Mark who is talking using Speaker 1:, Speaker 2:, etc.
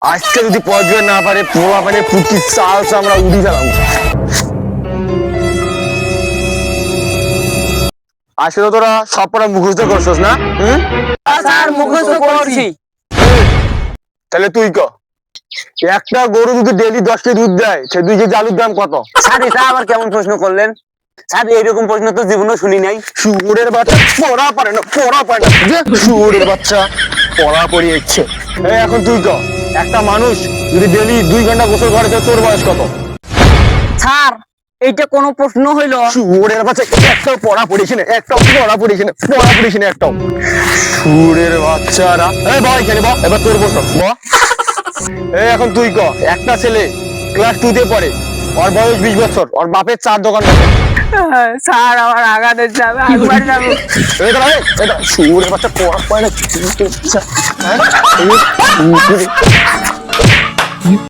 Speaker 1: আজকে যদি পড়বে না পারে পোলা পারে পুটি চাল আমরা উড়ি গেলাম। আসলে তোরা সব পড়া মুখস্থ করছস না?
Speaker 2: স্যার মুখস্থ করছি।
Speaker 1: তাহলে তুই ক, একটা গরু যদি ডেইলি 10 কেজি দুধ দেয় সে 2 কেজি আলুর দাম কত?
Speaker 2: স্যার এটা আবার কেমন প্রশ্ন করলেন? স্যার এইরকম প্রশ্ন তো জীবনেও শুনি নাই।
Speaker 1: শুয়োরের বাচ্চা পড়া পারে না, পড়া পারে না যে শুয়োরের বাচ্চা পড়া পড়িয়ে ইচ্ছে। এখন তুই ক, একটা মানুষ যদি ডেইলি 2 ঘন্টা গোসল করে তাহলে তোর বয়স কত?
Speaker 2: স্যার এইটা কোনো প্রশ্ন হইল?
Speaker 1: শুয়োরের বাচ্চা একটাও পড়া পড়িস না, একটাও পড়া পড়িস না, পড়া পড়িস না একটাও। শুয়োরের বাচ্চারা এই বয় এখানে বয়, এবার তোর বস ব। এখন তুই ক, একটা ছেলে ক্লাস 2 তে পড়ে, ওর বয়স 20 বছর, ওর বাপের 4 দোকান আছে।
Speaker 2: স্যার আমার আগাতে যাবে, একবার যাবো।
Speaker 1: এই দাঁড়া, এই দাঁড়া, শুয়োরের বাচ্চা পড়া পায় না।